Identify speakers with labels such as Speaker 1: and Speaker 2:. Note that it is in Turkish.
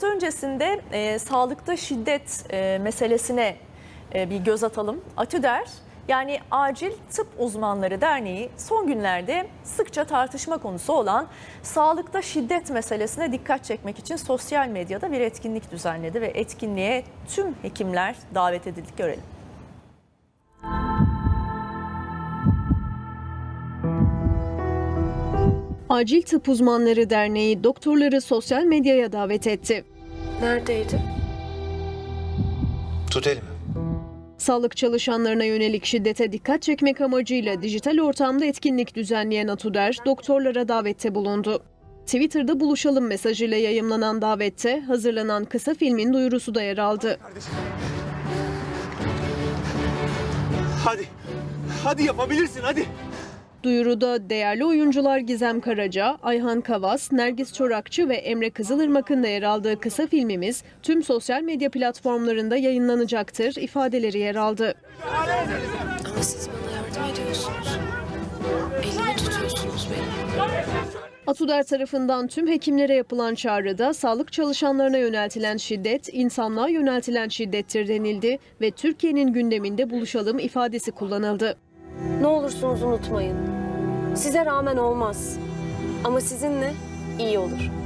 Speaker 1: ameliyat öncesinde sağlıkta şiddet meselesine bir göz atalım. ATÜDER, yani Acil Tıp Uzmanları Derneği, son günlerde sıkça tartışma konusu olan sağlıkta şiddet meselesine dikkat çekmek için sosyal medyada bir etkinlik düzenledi ve etkinliğe tüm hekimler davet edildi. Görelim.
Speaker 2: Acil Tıp Uzmanları Derneği doktorları sosyal medyaya davet etti.
Speaker 3: Neredeydi?
Speaker 4: Tut elimi.
Speaker 2: Sağlık çalışanlarına yönelik şiddete dikkat çekmek amacıyla dijital ortamda etkinlik düzenleyen ATÜDER, doktorlara davette bulundu. Twitter'da buluşalım mesajıyla yayımlanan davette hazırlanan kısa filmin duyurusu da yer aldı.
Speaker 5: Hadi yapabilirsin hadi.
Speaker 2: Duyuruda değerli oyuncular Gizem Karaca, Ayhan Kavas, Nergis Çorakçı ve Emre Kızılırmak'ın da yer aldığı kısa filmimiz tüm sosyal medya platformlarında yayınlanacaktır ifadeleri yer aldı.
Speaker 3: Ama siz bana yardım ediyorsunuz. Elimi tutuyorsunuz benim.
Speaker 2: ATÜDER tarafından tüm hekimlere yapılan çağrıda sağlık çalışanlarına yöneltilen şiddet, insanlığa yöneltilen şiddettir denildi ve Türkiye'nin gündeminde buluşalım ifadesi kullanıldı.
Speaker 6: Ne olursunuz unutmayın. Size rağmen olmaz. Ama sizinle iyi olur.